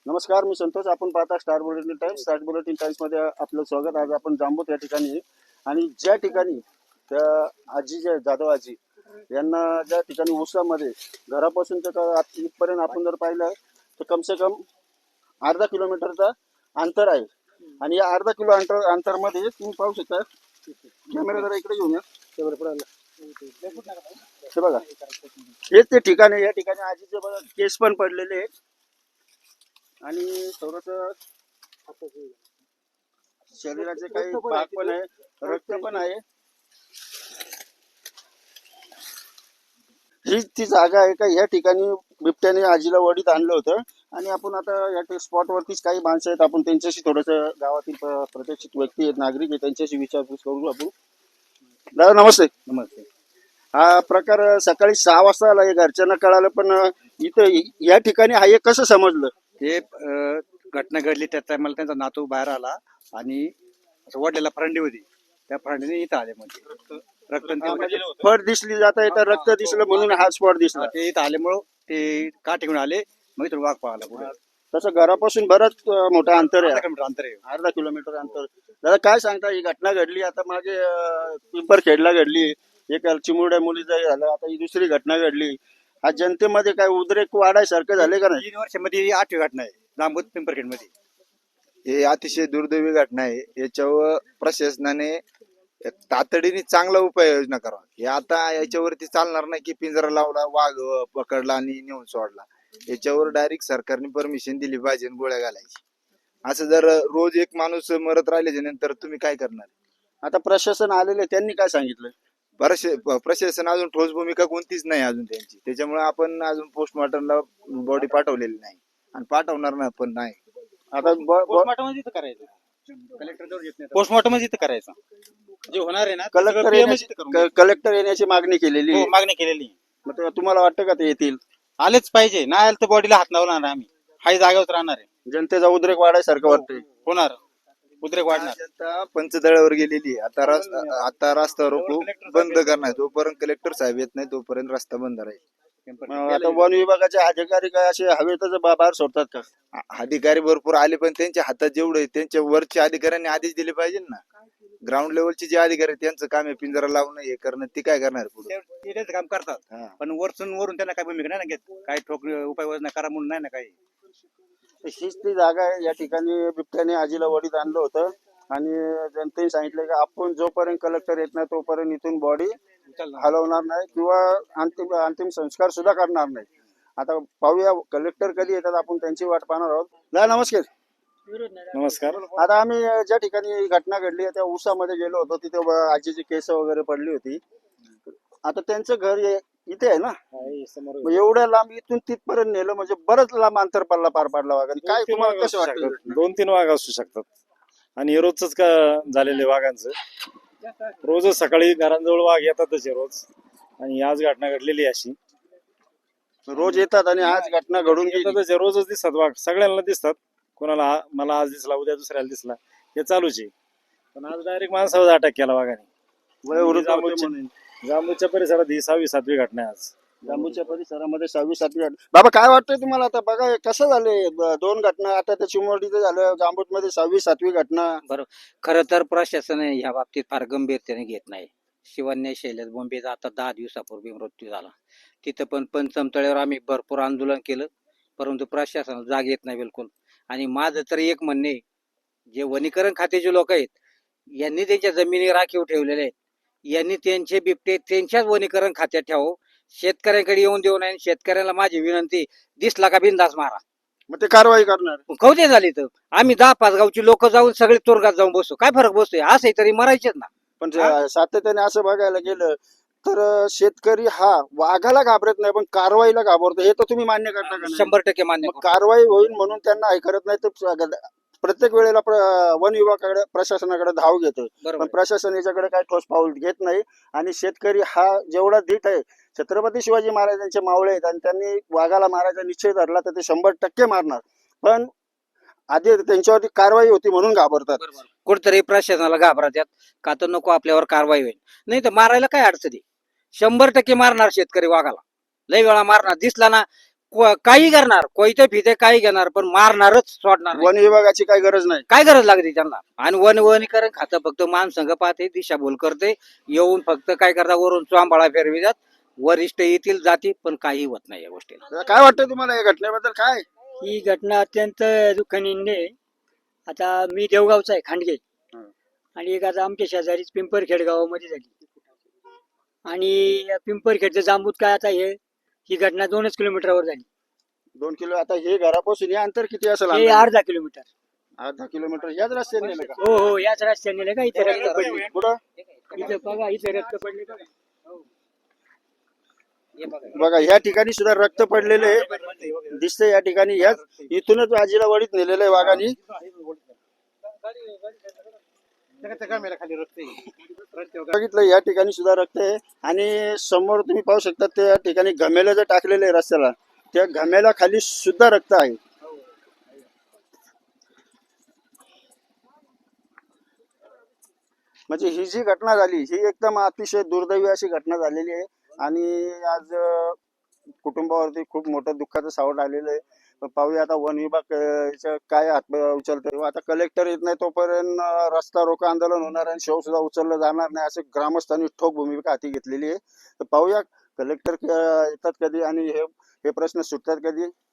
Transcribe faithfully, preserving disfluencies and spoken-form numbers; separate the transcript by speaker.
Speaker 1: नमस्कार, मी संतोष. आपण पाहता star bulletin times. Star bulletin times मध्ये आपलं स्वागत. आज आपण जांबूत या ठिकाणी आहे. आणि ज्या ठिकाणी त्या आजी ज्या जाधव आजी यांना ज्या ठिकाणी ऊसामध्ये घरापासून तर आत- इथपर्यंत आपण जर पाहिलं तर कम से कम अर्धा किलोमीटरचा अंतर आहे. आणि या अर्धा किलो अंतर अंतरमध्ये तुम्ही पाहू शकता. कॅमेरा जरा इकडे घेऊन या. हे बघा, हेच ते ठिकाण आहे. या ठिकाणी आजीचे बघा केस पण पडलेले आहेत आणि थोडस शरीराचे काही भाग पण आहे, रक्त पण आहे. हीच ती जागा आहे का या ठिकाणी बिबट्याने आजीला वडीत आणलं होतं. आणि आपण आता या स्पॉट वरतीच काही माणसं आहेत, आपण त्यांच्याशी थोडस गावातील प- प्रतिष्ठित व्यक्ती आहेत, नागरिक आहेत, त्यांच्याशी विचारपूस करू आपण. दादा नमस्ते.
Speaker 2: नमस्ते.
Speaker 1: हा प्रकार सकाळी सहा वाजता आला, हे घरच्यांना कळालं, पण इथं या ठिकाणी हा एक कसं समजलं?
Speaker 2: ते अ, घटना घडली त्या टायमाला त्यांचा नातू बाहेर आला आणि असं वडलेला फरंडी होती, त्या फरंडीने इथं आले म्हणजे रक्त आणि ते
Speaker 1: म्हणजे
Speaker 2: होते.
Speaker 1: फळ दिसली जाता येतं, रक्त दिसलं म्हणून हा स्पॉट दिसला.
Speaker 2: हा, ते इथं आल्यामुळं ते काठी घेऊन आले, मग इथून वाघ पळाला पुढे.
Speaker 1: तसं घरापासून बरंच अं, मोठं अंतर
Speaker 2: अर्धा
Speaker 1: आहे,
Speaker 2: किलोमीटर अंतर आहे.
Speaker 1: अर्धा किलोमीटर अंतर. दादा काय सांगता, ही घटना घडली आता मागे अं, पिंपरखेडला घडली, एक चिमुरड्या मुलीचं झालं, आता ही दुसरी घटना घडली. हा जनतेमध्ये काय उद्रेक वाढायसारखं झाले का नाही?
Speaker 2: तीन वर्षामध्ये ही आठवी घटना आहे जांबूत पिंपरखेड मध्ये.
Speaker 3: हे अतिशय दुर्दैवी घटना आहे. याच्यावर प्रशासनाने तातडीने चांगला उपाययोजना करावा. हे आता याच्यावरती चालणार नाही की पिंजरा लावला, वाघ पकडला आणि नेऊन सोडला. याच्यावर डायरेक्ट सरकारने परमिशन दिली पाहिजे आणि गोळ्या घालायची. असं जर रोज एक माणूस मरत राहिल्याच्या नंतर तुम्ही काय करणार?
Speaker 1: आता प्रशासन आलेले, त्यांनी काय सांगितलं?
Speaker 3: प्रशा- प्रशासन अजून ठोस भूमिका कोणतीच नाही अजून त्यांची. त्याच्यामुळे आपण अजून पोस्टमॉर्टमला बॉडी पाठवलेली नाही आणि पाठवणार ना पण नाही.
Speaker 1: आता ब- ब-
Speaker 4: पोस्टमॉर्टम इथं करायचं.
Speaker 2: कलेक्टर जवळ येत नाही.
Speaker 4: पोस्टमॉर्टम इथं करायचं. जे होणार आहे ना ते
Speaker 1: कलेक्टर
Speaker 4: सगळं P M च इथं करून
Speaker 1: येण्याची कलेक्टर येण्याची मागणी केलेली
Speaker 4: घ्यायचं.
Speaker 1: आहे.
Speaker 4: हो, मागणी केलेली आहे.
Speaker 1: मग तेव्हा तुम्हाला वाटतं का ते येतील?
Speaker 4: आलेच पाहिजे, नाही आलं तर बॉडीला हात लावणार आम्ही. हाही जागेवर राहणार आहे.
Speaker 1: जनतेचा उद्रेक वाढायसारखं वाटतंय.
Speaker 4: होणार उद्रेक वाढणार.
Speaker 3: जनता पंचदळावर गेलेली आहे. आता रस्ता आता रस्ता रोको बंद करणार. जोपर्यंत कलेक्टर साहेब येत नाही तोपर्यंत रस्ता बंद राहील.
Speaker 1: मग आता वन विभागाचे अधिकारी काय असे हवेतच बा- बाहेर सोडतात का?
Speaker 3: आ- अधिकारी भरपूर आले पण त्यांच्या हातात जेवढे आहे, त्यांच्या वरच्या अधिकाऱ्यांनी आदेश दिले पाहिजे ना. ग्राउंड लेवलचे जे अधिकारी आहेत, त्यांचं काम आहे पिंजरा लावणं, हे करणं. ते काय करणार पुढे?
Speaker 2: ते- ते त्यांचं काम करतात,
Speaker 3: हा.
Speaker 2: पण वरतून वरून त्यांना काय भूमिका नाही ना घेत. काय ठोक उपाययोजना करा म्हणून नाही ना काही.
Speaker 1: हीच ती जागा आहे, या ठिकाणी बिबट्याने आजीला वडीत आणलं होतं. आणि जनतेने सांगितलं की आपण जोपर्यंत कलेक्टर येत नाही तोपर्यंत इथून बॉडी हलवणार नाही किंवा अंतिम अंतिम संस्कार सुद्धा करणार नाही. आता पाहूया कलेक्टर कधी येतात, आपण त्यांची वाट पाहणार आहोत. दा नमस्कार.
Speaker 4: नमस्कार.
Speaker 1: आता आम्ही ज्या ठिकाणी ही घटना घडली आहे त्या ऊसामध्ये गेलो होतो, तिथे ब- आजीची केस वगैरे पडली होती. आता त्यांचं घर हे- इथे आहे ना, मग एवढ्या लांब इथून तिथपर्यंत नेलं म्हणजे बरंच लांब अंतर पडला पार पाडला वाघाने. काय तुम्हाला कसं वाटतं?
Speaker 5: दोन तीन वाघ असू शकतात आणि हे रोजच का झालेले वाघांचं. रोजच सकाळी घरांजवळ वाघ येतातच हे रोज. आणि आज घटना घडलेली आहे अशी.
Speaker 1: रोज येतात आणि आज घटना घडून गेली.
Speaker 5: येतातच हे, रोजच दिसतात वाघ, सगळ्यांना दिसतात. कोणाला आ- मला आज दिसला, उद्या दुसऱ्याला दिसला, हे चालूच आहे. पण आज डायरेक्ट माणसावर अटॅक केला वाघाने.
Speaker 1: वयोवृद्ध होते
Speaker 5: जांबूच्या
Speaker 1: म्हणून.
Speaker 5: जांबूच्या परिसरात ही सहावी सातवी घटना आहे आज.
Speaker 1: जांबूच्या परिसरामध्ये सहावी सातवी घटना. बाबा काय वाटतंय तुम्हाला? आता बघा हे कसं झालंय, ब- दोन घटना आता त्या चिमोडीचं झालं, जांबूत मध्ये सहावी सातवी घटना.
Speaker 6: खरं तर प्रशासन ह्या बाबतीत फार गंभीरतेने घेत नाही. शिवन्य शैलेश बोंबेचा आता दहा दिवसापूर्वी मृत्यू झाला. तिथं पण पंचमतळ्यावर आम्ही भरपूर आंदोलन केलं, परंतु प्रशासन जाग येत नाही बिलकुल. आणि माझं तर एक म्हणणे, जे वनीकरण खात्याचे लोक आहेत यांनी त्यांच्या जमिनी राखीव ठेवलेल्या आहेत, यांनी त्यांचे बिबटे त्यांच्याच वनीकरण खात्यात ठेवावं. शेतकऱ्यांकडे येऊन देऊ नये. शेतकऱ्याला माझी विनंती, दिसला का बिंदास मारा.
Speaker 1: मग ते कारवाई करणार.
Speaker 6: कवते झाली तर आम्ही दहा पाच गावची लोक जाऊन सगळे तुरुंगात जाऊन बसू, काय फरक बसतोय? असंही तरी मरायचेच ना.
Speaker 1: पण जे- सातत्याने असं बघायला गेलं तर शेतकरी हा वाघाला घाबरत नाही पण कारवाईला घाबरतो. हे तर तुम्ही मान्य करता का नाही?
Speaker 6: शंभर टक्के मान्य
Speaker 1: मग
Speaker 6: करतो.
Speaker 1: कारवाई होईल म्हणून त्यांना हे करत नाही तर प्रत्येक वेळेला प्र- वन विभागाकडे प्रशासनाकडे धाव घेतो,
Speaker 6: बरोबर
Speaker 1: पण
Speaker 6: आहे.
Speaker 1: प्रशासन याच्याकडे काही ठोस पाऊल घेत नाही. आणि शेतकरी हा जेवढा धीट आहे, छत्रपती शिवाजी महाराजांचे मावळे आहेत आणि त्यांनी वाघाला मारायचा निश्चय धरला तर ते शंभर टक्के मारणार. पण आधी त्यांच्यावरती कारवाई होती म्हणून घाबरतात.
Speaker 6: बरोबर. कुठतरी प्रशासनाला घाबरतात का तर नको आपल्यावर कारवाई होईल. नाही तर मारायला काय अडचणी, शंभर टक्के मारणार शेतकरी वाघाला, लय वेळा मारणार. दिसला ना को- काही करणार कोयते फिते काही घेणार पण मारणारच सोडणार नाही.
Speaker 1: वन विभागाची काही गरज नाही.
Speaker 6: काय गरज लागते त्यांना आणि वन वनीकरण खातं फक्त मानसंघ पाहते दिशाभूल करते येऊन फक्त काय करता वरून चोंबाळा फिरवितात वरिष्ठ येतील जाती पण काही होत नाही या गोष्टीला.
Speaker 1: तर काय वाटतं तुम्हाला या घटनेबद्दल काय?
Speaker 7: ही घटना अत्यंत दुःखनीय आहे. आता मी देवगावचा आहे खांडगे
Speaker 1: हं.
Speaker 7: आणि एक आता आमच्या शेजारीच पिंपरखेड गावामध्ये झाली आणि या पिंपरखेडचं जांबूत काय आता हे ही घटना दोनच किलोमीटरवर झाली.
Speaker 1: दोन किलो आता हे घरापासून हे अंतर किती असेल?
Speaker 7: हे
Speaker 1: अंदाजे?
Speaker 7: अर्धा किलोमीटर.
Speaker 1: अर्धा किलोमीटर याच रस्त्याने नेलं का?
Speaker 7: हो हो याच रस्त्याने नेलं का इथे रक्त पडले.
Speaker 1: कुठं?
Speaker 7: इथे बघा इथे रक्त पडले बघा.
Speaker 1: बघा ह्या ठिकाणी सुद्धा रक्त पडलेले आहे. दिसतंय या ठिकाणी ह्याच इथूनच आजीला वडीत नेलेलं आहे वाघाने.
Speaker 2: खाली रक्त आहे.
Speaker 1: बघितलं या ठिकाणी सुद्धा रक्त आहे आणि समोर तुम्ही पाहू शकता त्या ठिकाणी घमेलं जे टाकलेलं आहे रस्त्याला त्या घमेला खाली सुद्धा रक्त आहे. म्हणजे ही जी घटना झाली ही एकदम अतिशय दुर्दैवी अशी घटना झालेली आहे आणि आज अं, कुटुंबावरती खूप मोठं दुःखाचं सावट आलेलं आहे. तर पाहूया आता वन विभाग अं, याचं काय हात उचलतोय. आता कलेक्टर येत नाही तोपर्यंत अं, रस्ता रोको आंदोलन होणार आणि शव सुद्धा उचललं जाणार नाही असं ग्रामस्थांनी ठोक भूमिका हाती घेतलेली आहे. तर पाहूया कलेक्टर येतात कधी आणि हे हे प्रश्न सुटतात कधी.